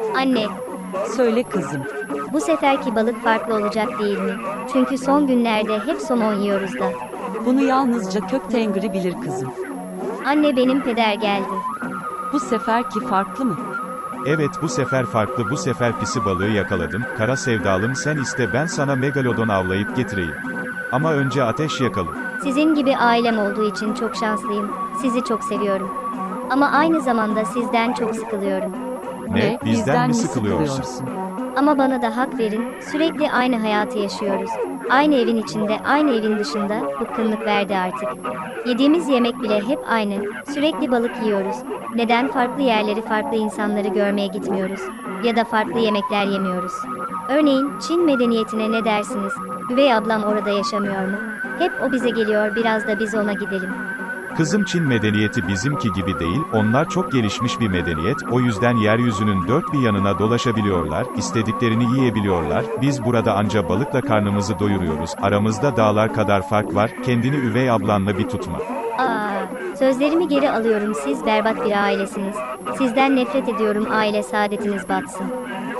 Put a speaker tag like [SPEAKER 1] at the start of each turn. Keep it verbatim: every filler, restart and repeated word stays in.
[SPEAKER 1] Anne,
[SPEAKER 2] Söyle kızım.
[SPEAKER 1] bu seferki balık farklı olacak değil mi? Çünkü son günlerde hep somon yiyoruz da.
[SPEAKER 2] Bunu yalnızca kök tengri bilir kızım.
[SPEAKER 1] Anne benim peder geldi.
[SPEAKER 2] Bu seferki farklı mı?
[SPEAKER 3] Evet bu sefer farklı bu sefer pisi balığı yakaladım, kara sevdalım sen iste ben sana megalodon avlayıp getireyim. Ama önce ateş yakalım.
[SPEAKER 1] Sizin gibi ailem olduğu için çok şanslıyım. Sizi çok seviyorum. Ama aynı zamanda sizden çok sıkılıyorum.
[SPEAKER 3] Ne, bizden mi sıkılıyorsun?
[SPEAKER 1] Ama bana da hak verin, sürekli aynı hayatı yaşıyoruz. Aynı evin içinde, aynı evin dışında, bıkkınlık verdi artık. Yediğimiz yemek bile hep aynı, sürekli balık yiyoruz. Neden farklı yerleri, farklı insanları görmeye gitmiyoruz? Ya da farklı yemekler yemiyoruz? Örneğin, Çin medeniyetine ne dersiniz? Üvey ablam orada yaşamıyor mu? Hep o bize geliyor, biraz da biz ona gidelim.
[SPEAKER 3] Kızım Çin medeniyeti bizimki gibi değil, onlar çok gelişmiş bir medeniyet, o yüzden yeryüzünün dört bir yanına dolaşabiliyorlar, istediklerini yiyebiliyorlar, biz burada anca balıkla karnımızı doyuruyoruz, aramızda dağlar kadar fark var, kendini üvey ablanla bir tutma.
[SPEAKER 1] Aa, sözlerimi geri alıyorum, siz berbat bir ailesiniz. Sizden nefret ediyorum, aile saadetiniz batsın.